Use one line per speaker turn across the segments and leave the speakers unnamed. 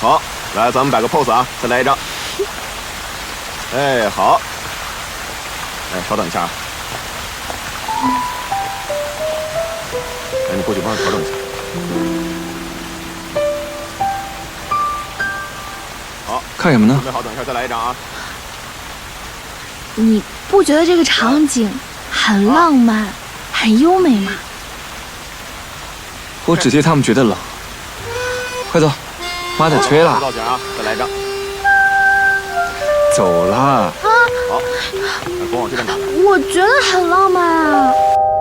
好，来，咱们摆个 pose 啊，再来一张。哎，好。哎，稍等一下啊。哎，你过去帮我调整一下。好，
看什么呢？
准备好，等一下再来一张啊。
你不觉得这个场景很浪漫、很优美吗？
我只替他们觉得冷。快走，妈得催了。
造型啊，再来一张。
走啦。
好，那跟我这边打。
我觉得很浪漫啊。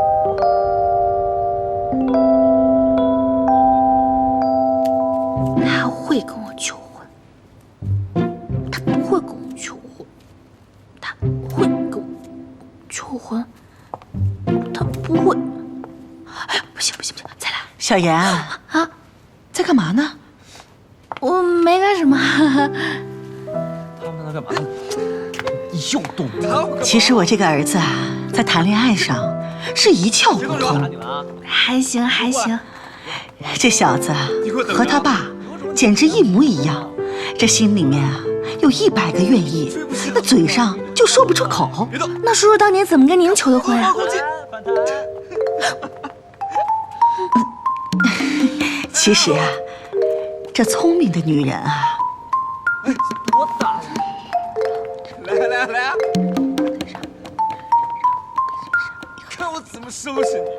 他会跟我求婚，他不会跟我求婚，他会跟我求婚，他不会。哎，不行不行不行，再来。
小妍啊，在干嘛呢？
我没干什么。
他们在那干嘛呢？你又动他！
其实我这个儿子啊，在谈恋爱上是一窍不通。
还行还行。
这小子和他爸简直一模一样，这心里面啊有100个愿意，那嘴上就说不出口。
那叔叔当年怎么跟您求的婚啊？
其实啊，这聪明的女人啊，
我打来啊！看我怎么收拾你！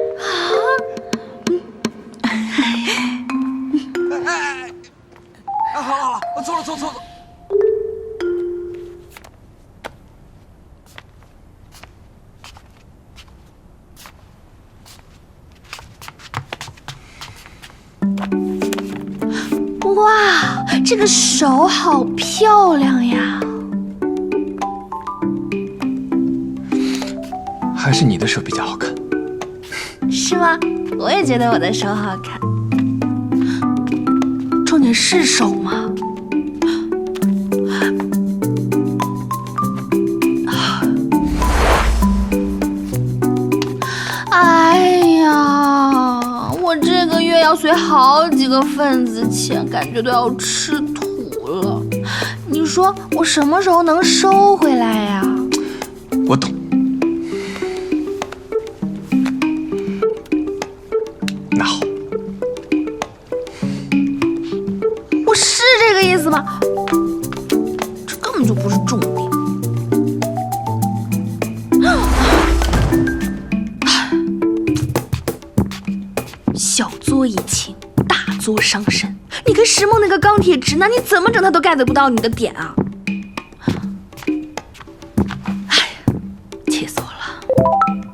好，我走了。
哇，这个手好漂亮呀！
还是你的手比较好看。
是吗？我也觉得我的手好看。重点是手吗？哎呀，我这个月要随好几个份子钱，感觉都要吃土了。你说我什么时候能收回来呀？
我懂。那好，
我是这个意思吗？这根本就不是重点。小作怡情，大作伤身。你跟石梦那个钢铁直男，你怎么整他都 get 不到你的点啊！哎呀，气死我了！